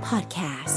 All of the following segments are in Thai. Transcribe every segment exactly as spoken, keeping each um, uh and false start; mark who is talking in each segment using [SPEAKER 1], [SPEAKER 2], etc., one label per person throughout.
[SPEAKER 1] Podcast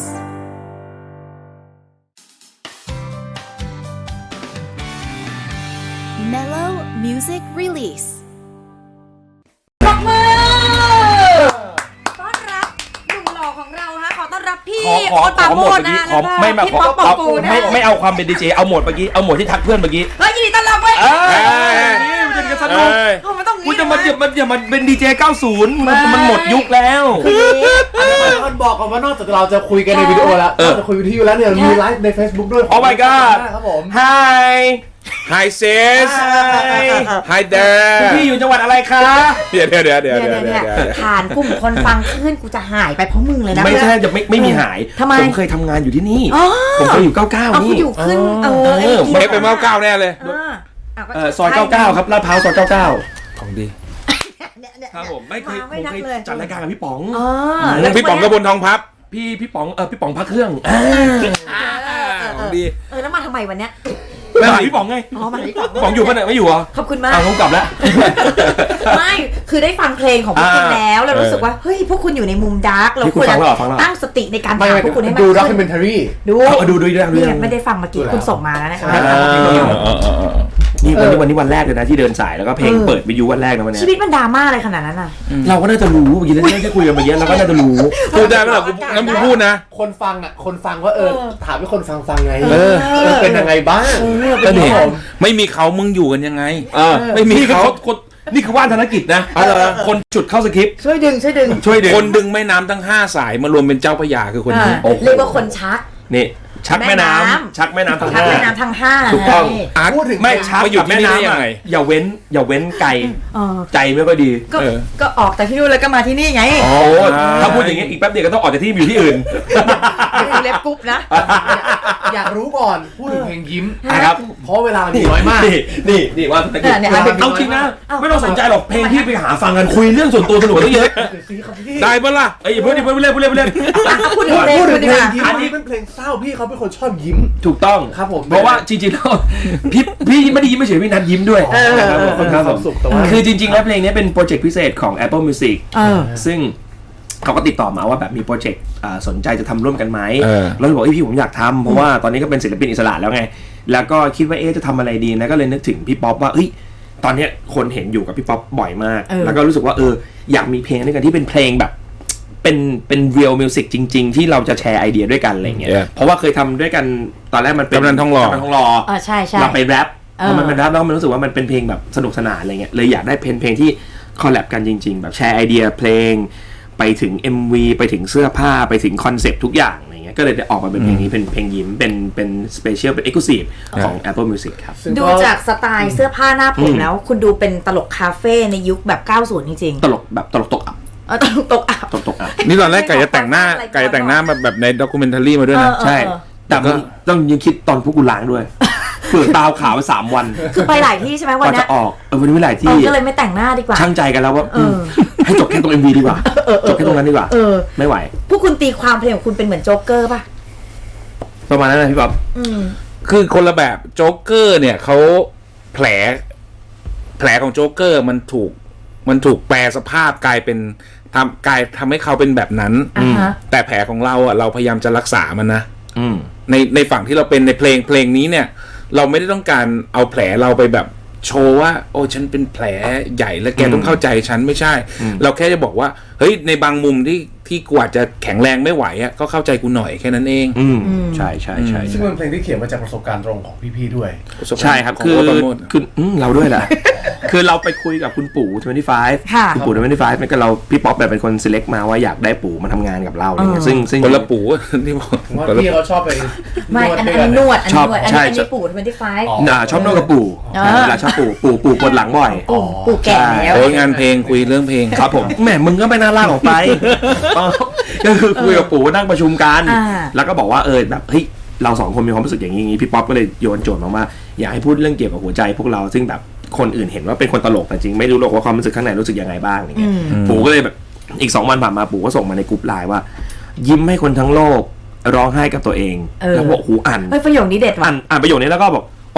[SPEAKER 1] Mellow Music Release
[SPEAKER 2] ปรบมือต้อนรับหนุ่มหล่อของเราฮะขอต้อนรับพี่
[SPEAKER 3] ขอขอ
[SPEAKER 2] โอ๊ตปราโมชนะ
[SPEAKER 3] ขอ
[SPEAKER 2] แล้ว
[SPEAKER 3] ไม่
[SPEAKER 2] ก็
[SPEAKER 3] มา
[SPEAKER 2] พี่
[SPEAKER 3] ขอ
[SPEAKER 2] ป๊อปปอง
[SPEAKER 3] ขอ
[SPEAKER 2] กูลนะ
[SPEAKER 3] ไม่ไม่เอาความเป็นดีเจเอาโหมดเมื่อกี้เอาโหมดที่ทักเพื่อนเมื่อกี้
[SPEAKER 2] เฮ้ยยินดีต้อนรับเว้ย
[SPEAKER 3] เออนี่มันจะกันสนุก
[SPEAKER 2] โอ้มันต้อง
[SPEAKER 3] กูจะมาอย่ามันอย่ามันเป็นดีเจเก้าสิบมันมันหมดยุคแล้ว
[SPEAKER 4] มันบอกก่อนว่านอกจากเราจะคุยกันในวิดีโอแล้วนอกจากคุยวิดีโอแล้วเนี่ยมีไลฟ์ใน Facebook ด้วย
[SPEAKER 3] โอ้ my god
[SPEAKER 4] ครับผม
[SPEAKER 3] Hi
[SPEAKER 5] Hi sis
[SPEAKER 3] Hi
[SPEAKER 5] Hi there
[SPEAKER 3] พี่อยู่จังหวัดอะไรคะ
[SPEAKER 5] เดี๋ยวเดี๋ยวเดี๋ยวเดี๋ยว
[SPEAKER 2] เนี่ย
[SPEAKER 5] เดี๋ยว
[SPEAKER 2] เนี่ย
[SPEAKER 5] เดี๋
[SPEAKER 2] เนี่ย
[SPEAKER 5] วย
[SPEAKER 2] ฐานกลุ่มคนฟังขึ้นกูจะหายไปเพราะมึงเลยนะ
[SPEAKER 3] ไม่ใช่จะไม่ไม่มีหาย
[SPEAKER 2] ทำไม
[SPEAKER 3] ผมเคยทำงานอยู่ที่นี่
[SPEAKER 2] อ๋อ
[SPEAKER 3] ผมเคยอยู่เก้าเก้า
[SPEAKER 2] เอากู
[SPEAKER 3] นี่
[SPEAKER 2] อยู่ขึ้นเออ
[SPEAKER 3] เออ
[SPEAKER 2] ไอ้
[SPEAKER 5] เมฟเป็นเมาเก้าแน่เลย
[SPEAKER 2] เอออ่ะก็
[SPEAKER 3] เออซอยเก้าเก้าครับลาดพร้าวซอยเก้าเก้า
[SPEAKER 5] ของดี
[SPEAKER 2] เนี่ยเนี่ย
[SPEAKER 3] ครับผมไม่เคย
[SPEAKER 2] า
[SPEAKER 3] ผม
[SPEAKER 2] ไม่นัก
[SPEAKER 3] เคย
[SPEAKER 2] เลย
[SPEAKER 3] จัดรายการกับพี่ป๋อง
[SPEAKER 2] อ๋อ
[SPEAKER 5] พี่ป๋องกระบวนทองพับ
[SPEAKER 3] พี่พี่ป๋องเออพี่ป๋องพักเครื่องอ่า
[SPEAKER 5] ของดี
[SPEAKER 2] เออแล้วมาทำไมวันเนี้ย
[SPEAKER 3] มาหาพี่ป๋องไง
[SPEAKER 2] อ๋อมาที่ก่อน
[SPEAKER 3] พี่ป๋องอยู่ปะเนี่ยไม่อยู่เหรอ
[SPEAKER 2] ขอบคุณมาก
[SPEAKER 3] อ้าวผมกลับแล้ว
[SPEAKER 2] ไม่คือได้ฟังเพลงของพวกคุณ
[SPEAKER 3] อ่า
[SPEAKER 2] แล้วแล้วรู้สึกว่าเฮ้ยพวกคุณอยู่ในมุมดาร์กเรา
[SPEAKER 3] นี่คุ
[SPEAKER 2] คว
[SPEAKER 3] ณ
[SPEAKER 2] ร
[SPEAKER 3] ฟั
[SPEAKER 2] จะ
[SPEAKER 3] งแล้วเหรอฟังแล้วเหรอ
[SPEAKER 2] ตั้งสติในการ
[SPEAKER 4] ไม่
[SPEAKER 2] ถาม
[SPEAKER 4] ไม่
[SPEAKER 2] พวกคุณให้มาก
[SPEAKER 4] ดู
[SPEAKER 2] ขึ้น
[SPEAKER 4] ด็อกิเมนทารี
[SPEAKER 2] ดู
[SPEAKER 3] เอาดูดูดูดู
[SPEAKER 2] เนี่ยไม่ได้ฟังเมื่อกี้คุณส่งมาแล้วนะคะ
[SPEAKER 3] นี่วันนี้วันนี้วันแรกเลยนะที่เดินสายแล้วก็เพลงเปิดวิทยุวันแรกนะวันนี้
[SPEAKER 2] ชีวิตมันดราม่าอะไรขนาดนั้นอ่ะ
[SPEAKER 3] เราก็น่าจะรู้เมื่อกี้เราได้คุยกันเมื่อกี้เราก็น่าจะรู้
[SPEAKER 5] พูดได้ไหมล่ะกูงั้นกูพูดนะ
[SPEAKER 4] คนฟังอ่ะคนฟังว่าเออ
[SPEAKER 2] เออ
[SPEAKER 4] ถามให้คนฟังฟังไง
[SPEAKER 5] เออ
[SPEAKER 4] เออเป็นยังไงบ้าง
[SPEAKER 5] ก็นี่
[SPEAKER 4] ครับผม
[SPEAKER 5] ไม่มีเขามึงอยู่กันยังไง
[SPEAKER 3] เออ
[SPEAKER 5] ไม่มี
[SPEAKER 3] นี่คือ
[SPEAKER 5] เขา
[SPEAKER 3] คนคนนี่คือว่านธนกิจนะ
[SPEAKER 5] อ๋อเหรอ
[SPEAKER 3] คนจุดเข้าสคริปต์
[SPEAKER 2] ช่วยดึงช่วยดึง
[SPEAKER 3] ช่วยดึง
[SPEAKER 5] คนดึงแม่น้ำทั้งห้าสายมารวมเป็นเจ้าพระยาคือคนนี้
[SPEAKER 2] อ่าเรียกว่าคนชัก
[SPEAKER 3] นี่ชักแม่น้
[SPEAKER 2] แม่น้ำ
[SPEAKER 3] ำชักแม่น้ำทั้ง
[SPEAKER 2] ชัก
[SPEAKER 3] ห้า
[SPEAKER 2] แม่น้ำทั้งห้า
[SPEAKER 3] ถูกต้อง
[SPEAKER 2] ไง
[SPEAKER 5] อาร์ต
[SPEAKER 4] พูดถึง
[SPEAKER 3] ไม่ชัก
[SPEAKER 5] มาอยู่
[SPEAKER 3] กับแม่
[SPEAKER 5] ที่นี่ได้
[SPEAKER 3] น้ำ
[SPEAKER 5] ยัง
[SPEAKER 3] อะ
[SPEAKER 5] ไง
[SPEAKER 3] อย่าเว้นอย่าเว้นไกล
[SPEAKER 2] เออ
[SPEAKER 3] ใจไม่ค่อยดี
[SPEAKER 2] ก็
[SPEAKER 5] เออ
[SPEAKER 2] ก็ออกจากที่นู่นแล้วก็มาที่นี่ไง
[SPEAKER 3] โอ้ถ้าพูดอย่างเงี้ยอีกแป๊บเดียวก็ต้องออกจากที่อยู่ที่อื่น
[SPEAKER 2] ดูเล็บกรุ๊ปนะ
[SPEAKER 4] อยากรู้ก่อนพูดถึงเพลงยิ้ม
[SPEAKER 3] นะครับ
[SPEAKER 4] เพราะเวลามันมีน้อยมาก
[SPEAKER 3] นี่นี่นี่ว่าธนกิจ
[SPEAKER 2] เนี่ย
[SPEAKER 3] เอาจริงนะ
[SPEAKER 2] เอา
[SPEAKER 3] ไม่ต้องสนใจหรอกเพลงที่ไปหาฟังกันคุยเรื่องส่วนตัวสนุกกว่าตั้งเยอะ
[SPEAKER 5] ได้ปะล่ะ
[SPEAKER 3] เอ้ยอย่าเพิ่งอย่าเพิ่งเล่นพูดเล่นพูดเล่น
[SPEAKER 2] อ่ะพูดถึงเพลง
[SPEAKER 4] พูดถึ
[SPEAKER 2] คุ
[SPEAKER 4] ง
[SPEAKER 2] ณดี
[SPEAKER 4] เพ
[SPEAKER 2] ก
[SPEAKER 4] ลง
[SPEAKER 2] ว่า
[SPEAKER 4] ยิ้ม
[SPEAKER 3] อั
[SPEAKER 4] อั
[SPEAKER 3] น
[SPEAKER 4] น
[SPEAKER 3] นี้
[SPEAKER 4] นี้เป็นเพลงเศร้าพี่เขาเป็นคนชอบยิ้ม
[SPEAKER 3] ถูกต้อง
[SPEAKER 4] ครับผม
[SPEAKER 3] เพราะว่าจริงๆแล้วพี่พี่ไม่ได้ยิ้มไม่เฉยพี่นัทยิ้มด้วย
[SPEAKER 2] เออ
[SPEAKER 3] นะครับผม
[SPEAKER 4] คนมีความสุขแต่ว่า
[SPEAKER 3] คือจริงๆแล้วเพลงนี้เป็นโปรเจกต์พิเศษของ Apple Music
[SPEAKER 2] เออ
[SPEAKER 3] ซึ่งเขาก็ติดต่อมาว่าแบบมีโปรเจกต์อ่าสนใจจะทำร่วมกันไหม
[SPEAKER 5] เออ
[SPEAKER 3] แล้วบอกเอ้ยพี่ผมอยากทำเพราะว่าตอนนี้ก็เป็นศิลปินอิสระแล้วไง แล้วก็คิดว่าเอ๊ะจะทำอะไรดีนะก็เลยนึกถึงพี่ป๊อปว่าเอ้ยตอนเนี้ยคนเห็นอยู่กับพี่ป๊อปบ่อยมาก
[SPEAKER 2] เออ
[SPEAKER 3] แล้วก็รู้สึกว่าเอออยากมีเพลงด้วยกันที่เป็นเพลงแบบเป็นเป็น real music จริง ๆ ที่เราจะแชร์ไอเดียด้วยกันอะไรเงี้ย
[SPEAKER 5] Yeah
[SPEAKER 3] เพราะว่าเคยทำด้วยกันตอนแรกมันเป็น
[SPEAKER 5] กำนันทองหล่อ
[SPEAKER 3] กำนันทองหล่อ
[SPEAKER 2] เออใช่ใช่
[SPEAKER 3] เราไปแรป
[SPEAKER 2] เออ
[SPEAKER 3] พอมันเป็นแรปแล้วมันรู้สึกว่ามันเป็นเพลงแบบสนุกสนานอะไรเงี้ยเลยอยากได้เพลงเพลงที่คอลแลบกันจริง ๆ แบบแชร์ไอเดียเพลงไปถึง เอ็ม วี ไปถึงเสื้อผ้าไปถึงคอนเซปต์ทุกอย่างอะไรเงี้ยก็เลยได้ออกมาเป็นเพลงนี้เป็นเพลงยิ้มเป็นเป็นสเปเชียลเป็นเอ็กซ์คลูซีฟของ Apple Music ครับ
[SPEAKER 4] ซึ่ง
[SPEAKER 2] ดูจากสไตล์เสื้อผ้าหน้าผมแล้ว คุณดูเป็นตลกคาเฟ่ในยุคแบบเก้าสิบจริง
[SPEAKER 3] ตลกแบบตลกตกอับ
[SPEAKER 2] ๆเออตลกตกอับ
[SPEAKER 3] ตลกตกอับ
[SPEAKER 5] นี่ตอนแรกไก่จะแต่งหน้าไก่จะแต่งหน้าแบบแบบในด็อกิเมนทารีมาด้วยนะ
[SPEAKER 2] เออ
[SPEAKER 3] ใช่ แต่มันต้องยังคิดตอนพวกกูล้างด้วยเผื่อตาขาวไปสามวัน
[SPEAKER 2] คือไปหลายที่ใช่ไหม
[SPEAKER 3] ก
[SPEAKER 2] วัน
[SPEAKER 3] ว่า
[SPEAKER 2] เนี้
[SPEAKER 3] จะ
[SPEAKER 2] ย
[SPEAKER 3] ออกเออวันนี้ไม่หลาย
[SPEAKER 2] เอ
[SPEAKER 3] ที่
[SPEAKER 2] อก็เลยไม่แต่งหน้าดีกว่า
[SPEAKER 3] ช่างใจกันแล้วว่า
[SPEAKER 2] เออ
[SPEAKER 3] ให้จบแค่ตรง เอ็ม วี ดีกว่าจบแค่ตรงนั้นดีกว่า
[SPEAKER 2] เออ
[SPEAKER 3] ไม่ไหว
[SPEAKER 2] พวกคุณตีความเพลงของคุณเป็นเหมือนโจ๊กเกอร์ป่ะ
[SPEAKER 3] ประมาณนั้นนะพี่ป๊อป
[SPEAKER 2] อืม
[SPEAKER 5] คือคนละแบบโจ๊กเกอร์เนี่ยเขาแผล แผลของโจ๊กเกอร์มันถูกมันถูกแปลสภาพกลายเป็นทำกลายทำให้เขาเป็นแบบนั้น
[SPEAKER 2] อ่าฮะ
[SPEAKER 5] แต่แผลของเราอ่ะเราพยายามจะรักษามันนะ
[SPEAKER 3] อืม
[SPEAKER 5] ในในฝั่งที่เราเป็นในเพลงเพลงนี้เนี่ย เราไม่ได้ต้องการเอาแผลเราไปแบบโชว์ว่า โอ้ฉันเป็นแผลใหญ่แล้วแกต้องเข้าใจฉันไม่ใช่ เราแค่จะบอกว่าเฮ้ยในบางมุมที่ที่กูอาจจะแข็งแรงไม่ไหวอ่ะก็เข้าใจกูหน่อยแค่นั้นเอง
[SPEAKER 3] อืมใช่ใช่ใช่
[SPEAKER 4] ซึ่ง
[SPEAKER 3] ใช่
[SPEAKER 4] เป็นเพลงที่เขียนมาจากประสบการณ์ตรงของพี่ๆด้วย
[SPEAKER 3] ใช่ครับ
[SPEAKER 5] ของ
[SPEAKER 3] คือ
[SPEAKER 5] โอ๊ตปราโมช
[SPEAKER 3] คืออืมเราด้วยแหละ คือเราไปคุยกับคุณปู่ยี่สิบห้า
[SPEAKER 2] ค่ะ
[SPEAKER 3] คุณปู่ยี่สิบห้าเนี่ยก็เราพี่ป๊อปแบบเป็นคน select มาว่าอยากได้ปู่มาทำงานกับเราอะไรเงี้ยซึ่งซึ่ง
[SPEAKER 5] คนละปูที่บอก
[SPEAKER 4] ผมว่าพี่เขาชอบไป
[SPEAKER 2] ไม่
[SPEAKER 4] นวด
[SPEAKER 2] อัน
[SPEAKER 4] ด้วย
[SPEAKER 2] อั
[SPEAKER 4] กัน น
[SPEAKER 2] นวดอัน
[SPEAKER 3] ชอบ
[SPEAKER 2] นวดอัน
[SPEAKER 3] ใช่
[SPEAKER 2] นี้อันนี้ปู่ทเวนตี้ไฟว์
[SPEAKER 4] อ๋อ
[SPEAKER 3] อ่าชอบนวดกับปู่
[SPEAKER 2] เออ
[SPEAKER 3] เวลาชอบปู่ปู่ปู่ปวดหลังบ่อย
[SPEAKER 2] ปู่ปู่แก่แล้ว
[SPEAKER 5] โอ้ยงานเพลงคุยเรื่องเพลง
[SPEAKER 3] ครับผมแหมมึงก็ไม่น่าลากออกไปอ๋อก็คือคุยกับปู่นั่งประชุมกัน
[SPEAKER 2] อ่า
[SPEAKER 3] แล้วก็บอกว่าเออแบบเฮ้ยเราสองคนมีความรู้สึกอย่างนี้อย่างนี้พี่ป๊อปก็เลยโยนโจทย์มาว่าอยากให้พูดเรื่องเกี่ยวกับหัวใจพวกเราซึ่งแบบคนอื่นเห็นว่าเป็นคนตลกแต่จริงไม่รู้หรอกว่าความรู้สึกข้างในรู้สึกยังไงบ้างอย่างเงี้ยปู่ก็เลยแบบอีกสองวันผ่านมาปู่ก็ส่งมาในกลุ่มไลน์ว่า ยิ้มให้คนทั้งโลกร้องไห้กับตัวเอง
[SPEAKER 2] เออ
[SPEAKER 3] แล้วบอกหูอ่าน
[SPEAKER 2] เฮ้ยประโยคนี้เด็ดว่ะ
[SPEAKER 3] อ่านอ่านประโยคนี้แล้วก็บอกโอเค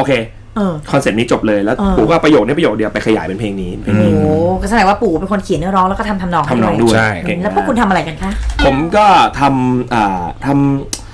[SPEAKER 3] คอนเซ็ปต์นี้จบเลยแล้วปู่ก็ประโยคนี้ประโยคเดียวไปขยายเป็นเพลงนี้เพลง
[SPEAKER 2] โอ้
[SPEAKER 3] นี้
[SPEAKER 2] โหก็แสดงว่าปู่เป็นคนเขียนเนื้อร้องแล้วก็ทำทำนองให้
[SPEAKER 3] ทำนองด้วย
[SPEAKER 5] ใช่
[SPEAKER 3] เก่ง
[SPEAKER 2] แล้วพวกคุณทำอะไรกันคะ
[SPEAKER 3] ผมก็ทำอ่าทำ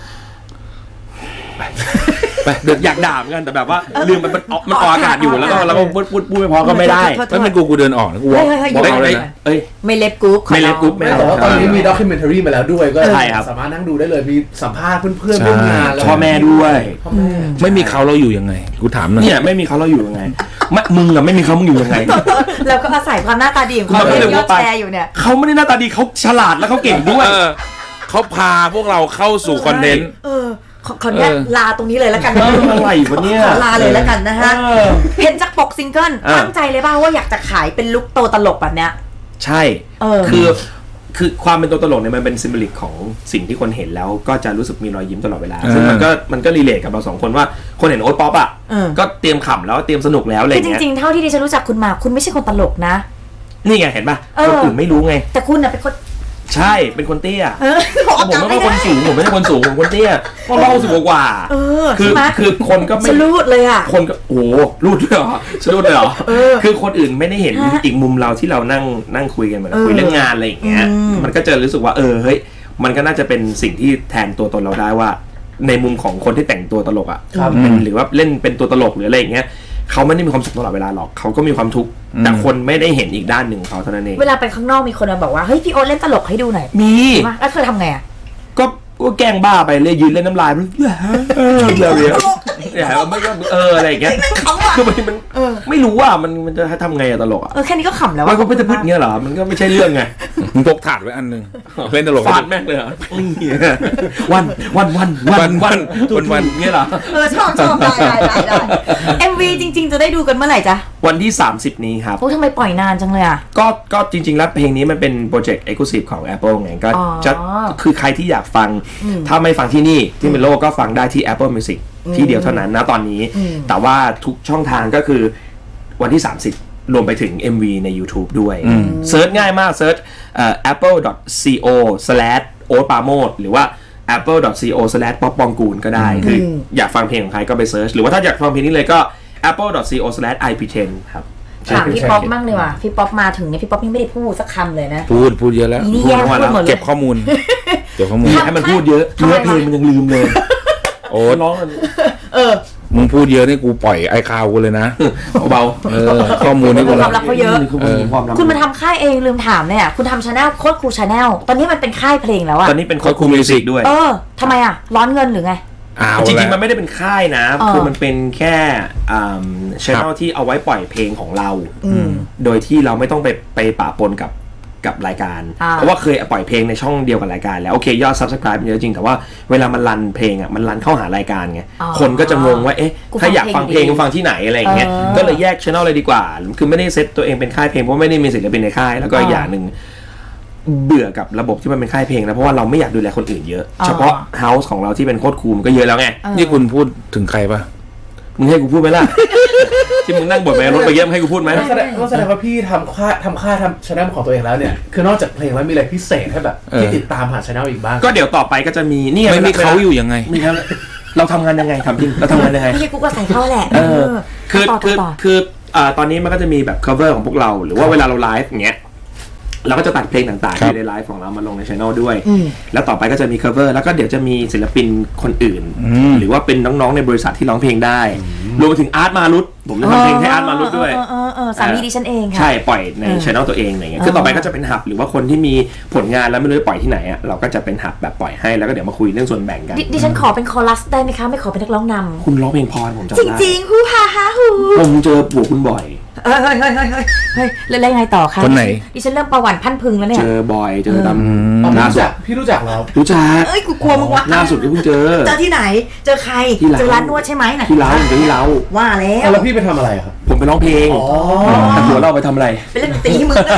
[SPEAKER 3] ไปเดือดอยากด่าเหมือนกันแต่แบบว่าลืมมันมันมันออกอากาศอยู่แล้วก็แล้วก็พูดพูดพูดไม่พอก็ไม่ได้
[SPEAKER 5] ถ้าเป็นกูกูเดินออกนะกูบอก
[SPEAKER 2] เฮ้ยเฮ้ย
[SPEAKER 5] บอก
[SPEAKER 2] เฮ้ย
[SPEAKER 5] เอาเลย
[SPEAKER 2] เฮ้ย
[SPEAKER 5] นะ
[SPEAKER 3] เอ้ย
[SPEAKER 2] ไม่เล็บกรุ๊ป
[SPEAKER 3] ไม่เล็บกรุ๊ป
[SPEAKER 4] ไม่แต่ว่าตอนนี้มีด็อกิเมนทารีมาแล้วด้วยก็
[SPEAKER 3] ใช่ครับ
[SPEAKER 4] สามารถนั่งดูได้เลยมีสัมภาษณ์เพื่อนๆร่วมงานแล้ว
[SPEAKER 3] พ่อแม่ด้วย
[SPEAKER 4] พ่อแม่
[SPEAKER 5] ไม่มีเขาเราอยู่ยังไงกูถามหน่อย
[SPEAKER 3] เนี่ยไม่มีเขาเราอยู่ยังไงไม่มึงอะไม่มีเขามึงอยู่ยังไง
[SPEAKER 2] แล้วก็อาศัยความหน้าตาดีของเขา
[SPEAKER 3] มันก็
[SPEAKER 2] เป็
[SPEAKER 3] เลย
[SPEAKER 2] นยอด
[SPEAKER 3] ว่าไป
[SPEAKER 2] แชร์อยู่เนี่ย
[SPEAKER 3] เขาไม่ได้หน้าตาดีเขาฉลาดแล้วเขาเก่งด้วย
[SPEAKER 5] เออเขาพาพวกเราเข้าสู่คอนเทนต์
[SPEAKER 2] เออขอขออนุญาต
[SPEAKER 5] เออ
[SPEAKER 2] ลาตรงนี้เลยแล้วกัน
[SPEAKER 3] เอออะไรวะเนี่ย
[SPEAKER 2] ขอลาเลยแล้วกันนะฮะ
[SPEAKER 3] เออ
[SPEAKER 2] เห็นจากปกซิงเกิล
[SPEAKER 3] เออ
[SPEAKER 2] ตั้งใจเลยป่าวว่าอยากจะขายเป็นลุคโตตลกแบบเนี้ย
[SPEAKER 3] ใช่
[SPEAKER 2] เออ
[SPEAKER 3] คือคือความเป็นตัวตลกเนี่ยมันเป็นซิมโบลิกของสิ่งที่คนเห็นแล้วก็จะรู้สึกมีรอยยิ้มตลอดเวลา
[SPEAKER 5] อ่า
[SPEAKER 3] ซึ่งมันก็มันก็รีเลทกับเราสองคนว่าคนเห็นโอ๊ตป๊อปอ่ะ
[SPEAKER 2] เออ
[SPEAKER 3] ก็เตรียมขำแล้วเตรียมสนุกแล้วอะไร
[SPEAKER 2] คือจ
[SPEAKER 3] เงี้ย
[SPEAKER 2] ริงๆ เท่าที่ดิฉันรู้จักคุณมาคุณไม่ใช่คนตลกนะ
[SPEAKER 3] นี่ไงเห็นป่ะ
[SPEAKER 2] เออ
[SPEAKER 3] คนอื่นไม่รู้ไง
[SPEAKER 2] แต่คุณน่ะเป็นคน
[SPEAKER 3] ใช่เป็นคนเตี้ย
[SPEAKER 2] เออบอก
[SPEAKER 3] ผมไม่ใช่คนสูงผมไม่ใช่คนสูงผมคนเตี้ยก็ร้อยสิบกว่า
[SPEAKER 2] เออ
[SPEAKER 3] คือ
[SPEAKER 2] ใช่ไหม
[SPEAKER 3] คือคนก็ไม่
[SPEAKER 2] ฉันรูดเลยอ่ะ
[SPEAKER 3] คนก็โอ้โหรูดด้วยเหรอฉันรูดเลยเหรอ
[SPEAKER 2] เออ
[SPEAKER 3] คือคนอื่นไม่ได้เห็น
[SPEAKER 2] ฮะ
[SPEAKER 3] อีกมุมเราที่เรานั่งนั่งคุยกันเหมือน
[SPEAKER 2] เออ
[SPEAKER 3] คุยเรื่องงานอะไรอย่างเงี้ย
[SPEAKER 2] อืม
[SPEAKER 3] มันก็จะรู้สึกว่าเออเฮ้ยมันก็น่าจะเป็นสิ่งที่แทนตัวตนเราได้ว่า ในมุมของคนที่แต่งตัวตลกอ่ะ
[SPEAKER 4] ครับ
[SPEAKER 3] เป็นหรือว่าเล่นเป็นตัวตลกหรืออะไรอย่างเงี้ยเขาไม่ได้มีความสุขตลอดเวลาหรอกเขาก็มีความทุกข์แต่คนไม่ได้เห็นอีกด้านหนึ่งของเขาเท่านั้นเอง
[SPEAKER 2] เวลาไปข้างนอกมีคนมาบอกว่าเฮ้ยพี่โอ๊ตเล่นตลกให้ดูหน่อย
[SPEAKER 3] มี
[SPEAKER 2] ใช่ไหมแล้วเธอทำไงอ่ะ
[SPEAKER 3] ก็ก็แกล้งบ้าไปเลยยืนเล่นน้ำลายมันเออเดี๋ยวเดี๋ยวเดี๋ยวไม่ก็เอออะไรอย่างเงี้ย
[SPEAKER 2] เขาอะ
[SPEAKER 3] คือมันมัน
[SPEAKER 2] เออ
[SPEAKER 3] ไม่รู้ว่ามันมันจะทำไงอะตลกอะ
[SPEAKER 2] เออแค่นี้ก็ขำแล้ว
[SPEAKER 3] มัน
[SPEAKER 2] อะ
[SPEAKER 3] ก็ไม่จะพูดอย่างเงี้ยเหรอมันก็ไม่ใช่เรื่องไง
[SPEAKER 5] มึงพกถาดไว้อันหนึงเล่นตลก
[SPEAKER 3] ฟาดแม่งเลยเหรอวันวันวันวันวันวันวันเงี้ยเหรอ
[SPEAKER 2] เออชอบชอบได้ได้ได้ได้เอ็มวีจริง ๆ จะได้ดูกันเมื่อไหร่จ๊ะ
[SPEAKER 3] วันที่สามสิบนี้ครับ
[SPEAKER 2] โอ้ทำไมปล่อยนานจังเลยอ่ะ
[SPEAKER 3] ก็ก็จริงๆแล้วเพลงนี้มันเป็นโปรเจกต์ Exclusive ของ Apple ไงก็
[SPEAKER 2] อ๋อ
[SPEAKER 3] จะคือใครที่อยากฟัง
[SPEAKER 2] อืม
[SPEAKER 3] ถ้าไม่ฟังที่นี่ที่เมโลก็ฟังได้ที่ Apple Music ที่เดียวเท่านั้นนะตอนนี้
[SPEAKER 2] อืม
[SPEAKER 3] แต่ว่าทุกช่องทางก็คือวันที่ สามสิบ รวมไปถึง เอ็ม วี ใน YouTube ด้วยเซิร์ชง่ายมากเซิร์ชเอ่อ แอปเปิล ดอท ซี โอ สแลช โอ๊ตปราโมชหรือว่า แอปเปิล ดอท ซี โอ สแลช ป๊อปปองกูลก็ได้ คืออยากฟังเพลงของใครก็ไปเซิร์ชหรือว่าถ้าอยากฟังเพลงนี้เลยก็ แอปเปิล ดอท ซี โอ สแลช ไอ พี เท็น ครับ
[SPEAKER 2] ถามพี่ป๊อปมั่งเลยว่ะพี่ป๊อปมาถึงเนี่ยพี่ป๊อปยังไม่ได้พูดสักคำเลยนะ
[SPEAKER 5] พูดพูดเยอะแล้ว
[SPEAKER 2] อีนี่แย่งพูดหมดเลย
[SPEAKER 5] เก็บข้อมูล เก็บข้อมูล
[SPEAKER 3] ให้มันพูดเยอะ
[SPEAKER 2] ทำไม
[SPEAKER 3] เนื้อเพลงมันยังลืมเลย
[SPEAKER 5] โอ๊ต
[SPEAKER 3] ร้องมัน
[SPEAKER 2] เออ
[SPEAKER 5] มึงพูดเยอะนี่กูปล่อยไอคาวกูเลยนะ
[SPEAKER 3] เบา
[SPEAKER 5] เออข้อมูลนี่กู
[SPEAKER 2] ความลับเขาเยอะ
[SPEAKER 3] คือความลับ
[SPEAKER 2] คุณมาทำค่ายเองลืมถามเนี่ยคุณทำชาแนลโคตรคูลชาแนลตอนนี้มันเป็นค่ายเพลงแล้วอะ
[SPEAKER 3] ตอนนี้เป็นโค้ดคูมิวสิกด้วย
[SPEAKER 2] เออทำไมอะร้อนเงินหรือไง
[SPEAKER 5] เอา
[SPEAKER 3] จริงๆ
[SPEAKER 5] ละ
[SPEAKER 3] มันไม่ได้เป็นค่ายนะ
[SPEAKER 2] เออ
[SPEAKER 3] คือมันเป็นแค่ช่องที่เอาไว้ปล่อยเพลงของเรา
[SPEAKER 2] อืม
[SPEAKER 3] โดยที่เราไม่ต้องไปไปปะปนกับกับรายการ
[SPEAKER 2] อ่า
[SPEAKER 3] เพราะว่าเคยปล่อยเพลงในช่องเดียวกับรายการแล้วโอเคยอด Subscribe มันเยอะจริงแต่ว่าเวลามันรันเพลงอ่ะมันรันเข้าหารายการไง
[SPEAKER 2] อ๋อ
[SPEAKER 3] คนก็จะงงว่าเอ๊ะ
[SPEAKER 2] กูฟัง
[SPEAKER 3] ถ้าอยากฟังเพลง
[SPEAKER 2] เพลงดี
[SPEAKER 3] ฟังที่ไหนอะไรอย่างเงี้ย
[SPEAKER 2] เออ
[SPEAKER 3] ก็เลยแยกช่องเลยดีกว่า คือไม่ได้เซตตัวเองเป็นค่ายเพลงเพราะไม่ได้มีศิลปินในค่ายแล้วก็อีกอย่างหนึ่งเบื่อกับระบบที่มันเป็นค่ายเพลงนะเพราะว่าเราไม่อยากดูแลคนอื่นเยอะ
[SPEAKER 2] อ๋อ
[SPEAKER 3] เฉพาะเฮาส์ของเราที่เป็นโคตรคูลมันก็เยอะแล้วไง
[SPEAKER 2] เออ
[SPEAKER 5] นี่คุณพูดถึงใครปะ
[SPEAKER 3] มึงให้กูพูดไหมล่ะ ที่มึงนั่งบ่นไปรถไปเยี่ยมให้กูพูดไหม
[SPEAKER 4] แสดงว่าแสดงว่าพี่ทำค่ายทำค่ายทำชาแนลของตัวเองแล้วเนี่ยคือนอกจากเพลงแล้วมีอะไรพิเศษให้แบบที่ติดตามผ่านชาแนลอีกบ้าง
[SPEAKER 3] ก็เดี๋ยวต่อไปก็จะมีนี่
[SPEAKER 5] ไม่มีเขาอยู่ยังไง
[SPEAKER 3] มีครับเราทำงานยังไงทำจริงเราทำงานยังไง
[SPEAKER 2] ไม่ใช่กูก็ใส่เข้าแหละ
[SPEAKER 3] เออคือ
[SPEAKER 2] ต่อ
[SPEAKER 3] คือ
[SPEAKER 2] ต่อ
[SPEAKER 3] คืออ่าตอนนี้มันก็จะมีแบบ cover ของพวกเรา หรือว่าเวลาเราไลฟ์อย่างเงี้ยเราก็จะตัดเพลงต่างๆ
[SPEAKER 5] ครับ
[SPEAKER 3] ที่ในไลฟ์ของเรามาลงในช่องด้วย
[SPEAKER 2] อืม
[SPEAKER 3] แล้วต่อไปก็จะมี cover แล้วก็เดี๋ยวจะมีศิลปินคนอื่น
[SPEAKER 5] อืม
[SPEAKER 3] หรือว่าเป็นน้องๆในบริษัทที่ร้องเพลงได้รวมไปถึงอาร์ตมารุตผมจะทำเพลงให้อาร์ตมารุตด้วย
[SPEAKER 2] เออเออเออสามีดิฉันเองค่ะ
[SPEAKER 3] ใช่ปล่อยใน
[SPEAKER 2] เออ
[SPEAKER 3] ช่องตัวเองอะไรเงี้ย
[SPEAKER 2] เออ
[SPEAKER 3] คือต่อไปก็จะเป็นหับหรือว่าคนที่มีผลงานแล้วไม่รู้จะปล่อยที่ไหนอ่ะเราก็จะเป็นหับแบบปล่อยให้แล้วก็เดี๋ยวมาคุยเรื่องส่วนแบ่งกัน
[SPEAKER 2] ดิดิฉันขอเป็นคอรัสได้ไหมคะไม่ขอเป็นนักร้องน
[SPEAKER 3] คุณร้องเพลงพรผมจำ
[SPEAKER 2] ำจ
[SPEAKER 3] ได้
[SPEAKER 2] ริงๆฮูฮาฮาฮู
[SPEAKER 3] ผมเจอปู่คุณบ่อย
[SPEAKER 2] เฮ้ยเฮ้ยเฮ้ยเฮ้ยเฮ้ยเฮ้ยแล้วแล้วยังไงต่อคะ
[SPEAKER 5] คนไหน
[SPEAKER 2] ดิฉันเริ่มประวัติพันพึงแล้วเนี่
[SPEAKER 3] เจ
[SPEAKER 2] ย
[SPEAKER 3] อบ่อยเจอตาม
[SPEAKER 4] อ๋อพี่
[SPEAKER 3] ล่า
[SPEAKER 4] รู้
[SPEAKER 3] สุด
[SPEAKER 4] จักพี่รู้จักแล้ว
[SPEAKER 3] รู้จัก
[SPEAKER 2] เอ้ยกูกลัวมึงวะ
[SPEAKER 3] ล่าสุดที่เพิ่งเจอ
[SPEAKER 2] เจอที่ไหน เจอใคร
[SPEAKER 3] ที่ร้าน
[SPEAKER 2] เจอร้านนวดใช่ไหมไหน
[SPEAKER 3] ที่เล้าเจอที่เล้า
[SPEAKER 2] ว่าแล้ว
[SPEAKER 4] เอาแล้วพี่ไปทำอะไรอะครับ
[SPEAKER 3] ผมไปร้องเพลง
[SPEAKER 4] อ๋อ
[SPEAKER 3] แต่หัวเราไปทำอะไร
[SPEAKER 2] เป็นเล่นดนตรีให้มึงเลย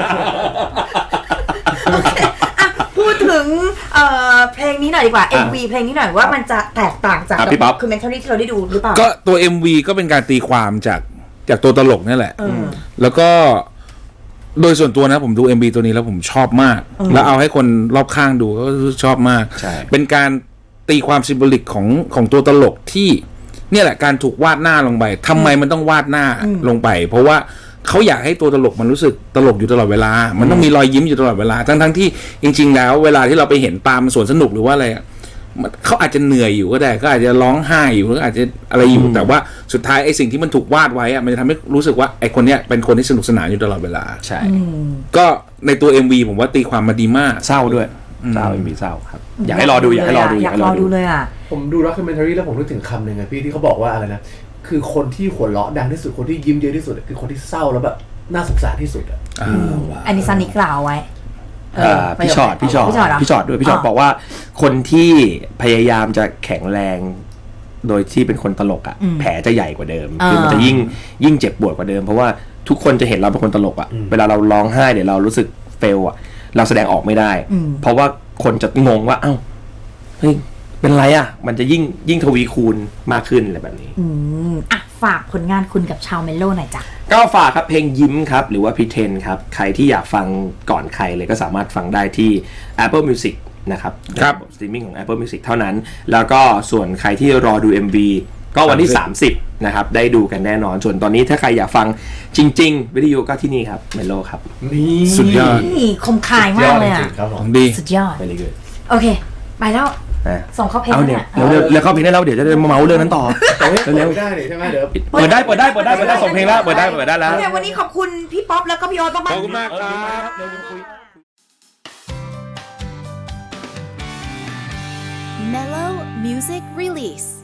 [SPEAKER 2] โอเคอ่ะพูดถึงเอ่อเพลงนี้หน่อยดีกว่า เอ็ม วี เพลงนี้หน่อยว่ามันจะแตกต่างจาก
[SPEAKER 3] อ่ะพี่ป๊อป
[SPEAKER 2] คือเมนทอรี่ที่เราได้ดูหรือเปล่า
[SPEAKER 5] ก็ตัว เอ็ม วี ก็เป็นการตีความจากจากตัวตลกนี่แหละ
[SPEAKER 2] เออ
[SPEAKER 5] แล้วก็โดยส่วนตัวนะผมดู เอ็ม วี ตัวนี้แล้วผมชอบมาก แล้วเอาให้คนรอบข้างดูก็ชอบมาก
[SPEAKER 3] ใช่
[SPEAKER 5] เป็นการตีความซิมโบลิกของของตัวตลกที่เนี่ยแหละการถูกวาดหน้าลงไปทำไมมันต้องวาดหน้าลงไป เพราะว่าเขาอยากให้ตัวตลกมันรู้สึกตลกอยู่ตลอดเวลา มันต้องมีรอยยิ้มอยู่ตลอดเวลาทั้งทั้งที่จริงๆแล้วเวลาที่เราไปเห็นตามสวนสนุกหรือว่าอะไรเขาอาจจะเหนื่อยอยู่ก็ได้ก็อาจจะร้องไห้อยู่หรืออาจจะอะไรอยู่แต่ว่าสุดท้ายไอ้สิ่งที่มันถูกวาดไว้อะมันจะทำให้รู้สึกว่าไอ้คนเนี้ยเป็นคนที่สนุกสนานอยู่ตลอดเวลา
[SPEAKER 3] ใช่
[SPEAKER 5] ก็ในตัว เอ็ม วี ผมว่าตีความมาดีมาก
[SPEAKER 3] เศร้าด้วยเศร้าเป็นมีเศร้าครับอยากให้รอดูอยากให้รอดู
[SPEAKER 2] อยากรอดูเลยอ่ะ
[SPEAKER 4] ผมดูด็อกคิวเมนทารีแล้วผมนึกถึงคำหนึ่งอะพี่ที่เขาบอกว่าอะไรนะคือคนที่หัวเราะดังที่สุดคนที่ยิ้มเยอะที่สุดคือคนที่เศร้าแล้วแบบน่าสงสารที่สุดอะ
[SPEAKER 2] อันนี้ซันนี่กล่าวไว้
[SPEAKER 3] เอ่อพี่ชอดพี่ชอด
[SPEAKER 2] พี่ชอดเหรอ
[SPEAKER 3] พี่ชอดด้วยพี่ชอดบอกว่าคนที่พยายามจะแข็งแรงโดยที่เป็นคนตลกอ่ะแผลจะใหญ่กว่าเดิมคือมันจะยิ่งยิ่งเจ็บปวดกว่าเดิมเพราะว่าทุกคนจะเห็นเราเป็นคนตลกอ่ะเวลาเราร้องไห้เดี๋ยวเรารู้สึกเฟลอ่ะเราแสดงออกไม่ได้ เพราะว่าคนจะงงว่าเอ้าเฮ้ยเป็นไรอ่ะมันจะยิ่งยิ่งทวีคูณมากขึ้นอะไรแบบนี้
[SPEAKER 2] อืมอ่ะฝากผลงานคุณกับชาวเมโลหน่อยจ้ะ
[SPEAKER 3] ก็ฝากครับเพลงยิ้มครับหรือว่า Pretend ครับใครที่อยากฟังก่อนใครเลยก็สามารถฟังได้ที่ Apple Music นะครับ
[SPEAKER 5] ครับ
[SPEAKER 3] สตรีมมิ่งของ Apple Music เท่านั้น แล้วก็ส่วนใครที่รอดู เอ็ม วี ก็วันที่ สามสิบนะครับได้ดูกันแน่นอนส่วนตอนนี้ถ้าใครอยากฟังจริงๆวิดีโอก็ที่นี่ครับเมโลครับ
[SPEAKER 4] นี่
[SPEAKER 5] สุดยอด
[SPEAKER 2] นี่คมคายมากเลย
[SPEAKER 4] จ
[SPEAKER 2] อ่ะ
[SPEAKER 4] ริงๆครับผ
[SPEAKER 5] ข
[SPEAKER 4] ม
[SPEAKER 5] องดี
[SPEAKER 2] สุดยอด
[SPEAKER 3] very good
[SPEAKER 2] โอเค ไปแล้ว
[SPEAKER 3] อ่ะ
[SPEAKER 2] ส่งเข้าเพลง
[SPEAKER 3] เอา
[SPEAKER 2] แล้ว
[SPEAKER 3] เนี่
[SPEAKER 2] เนี่ย ย
[SPEAKER 3] เร็วๆแล้วเข้าเพลงได้แล้วเดี๋ยวจะได้มาเมาส์เรื่องนั้นต่อ
[SPEAKER 4] แต่ว่า
[SPEAKER 3] เร็ว
[SPEAKER 4] ไม่ได้นี่ใช่ไหมเดี๋ยว
[SPEAKER 3] ๆเปิดได้เปิดได้เปิดได้เปิดได้ส่งเพลงแล้วเปิดได้เปิดได้แล้ว
[SPEAKER 2] โอเควันนี้ขอบคุณพี่ป๊อปแล้วก็พี่โอ๊ตมาก
[SPEAKER 5] ขอบคุณมากครับ
[SPEAKER 1] Mellow Music Release.